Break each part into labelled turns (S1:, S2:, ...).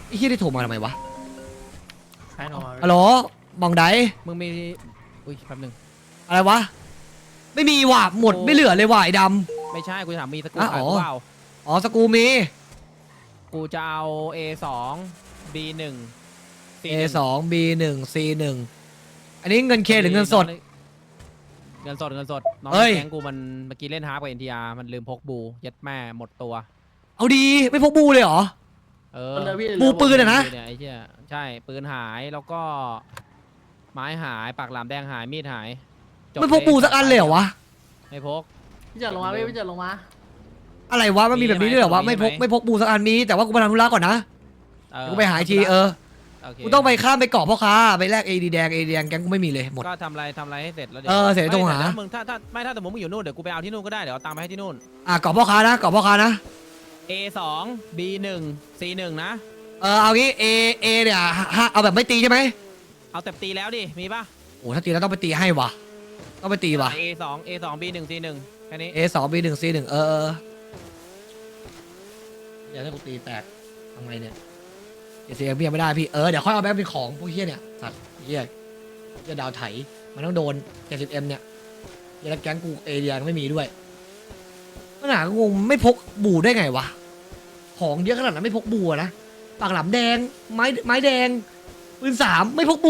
S1: ไอ้เฮียได้โทรมาทำไมวะ
S2: ใช่หรอ
S1: ฮัลโหลมองได
S3: มึงมีอุ้ยแป๊บนึง
S1: อะไรวะไม่มีว่ะหมดไม่เหลือเลยว่ะไอ้ด
S3: ไม่ใช่กูจะถามมีสกู
S1: อ่ะ
S3: ขาย
S1: อ๋อ
S3: กูเปล่า
S1: ำอ๋อสกูมี
S3: กูจะเอา A2 B1
S1: A2 B1 C1 อันนี้เงินเคหรือเงินสด
S3: เงินสดน้อง
S1: เฮ้ย
S3: แก๊งกูมันเมื่อกี้เล่นฮาร์ปกับ NTR มันลืมพกบูยัดแม่หมดตัว
S1: เอาดีไม่พกบูเลยเหรอ
S3: เออ
S1: บูปืนอะนะ
S3: เนี่ยไอ้เหี้ยใช่ปืนหายแล้วก็ ไม้หายปากหลามแดงหายมีดหายจบ
S1: ไม่พกบูสักอันเลยเหรอวะ
S3: ไม่พก
S2: พี่จัดลงมาพี่จัดลงมา
S1: อะไรวะมันมีแบบนี้ด้วยเหรอวะ
S3: มี
S1: ไม่
S3: ไหม
S1: พกบูสักอันมีแต่ว่ากูไปทำธุระก่อนนะ
S3: เออ
S1: กูไปหาอีกที
S3: โเค
S1: กูต้องไปข้ามไปเกาะพ่อค้าไปแลกเอดีแดงแกงกูไม่มีเลยหมด
S3: ก็ทำอะไรให้เสร็จแล้ว
S1: เออเสร็จแล้วต้องหา
S3: ไม่แต่ถ้มึงถ้าสมมติมึงอยู่นู่นเดี๋ยวกูไปเอาที่นู่นก็ได้เดี๋ยวเอาตังค์ไปให้ที่นู่น
S1: เกาะพ่อค้านะเกาะพ่อค้านะ
S3: A2 B1 C1 นะ
S1: เอางี้เนี่ยเอาแบบไม่ตีใช่ไหม
S3: เอาแต่ตีแล้วดิมีป่ะ
S1: โอ้ถ้าตีแล้วต้องไปตีให้วะต้องไปตีวะ
S3: A2 B1 C1 แค่นี้
S1: A2 B1 C1 อย่าให้กูตีแตกทำไงเนี่ยเสียเบี้ยไม่ได้พี่เดี๋ยวค่อยเอาแบงค์เป็นของพวกเฮี้ยเนี่ยสัตว์เฮี้ยดาวไถมันต้องโดน 70M เนี่ยยันแก๊งกูเอเดียไม่มีด้วยปัญหากูงงไม่พกบูได้ไงวะของเยอะขนาดนั้นไม่พกบูอะนะปากหลามแดงไม้แดงปืน3ไม่พกบู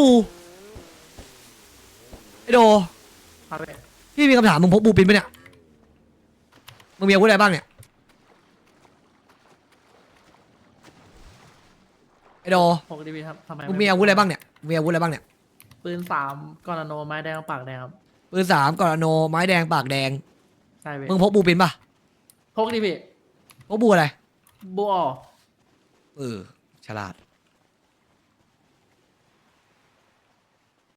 S1: ไอโด
S2: ครับพี่
S1: พี่มีคำถามมึงพกบูปินปะเนี่ยมึงมีอาวุธอะไรบ้างเนี่ยไอโด
S2: พกดีพี่ครับทำไม
S1: มึงมีอาวุธอะไรบ้างเนี่ยมีอาวุธอะไรบ้างเนี่ย
S2: ปืน3กอนาโนไม้แดงปากแดงครับ
S1: ปืน3กอร์โนไม้แดงปากแดง
S2: ใช่พี่
S1: มึงพกบูปินปะ
S2: พกดีพี่
S1: พกบูอะไร
S2: บัว
S1: ฉลาด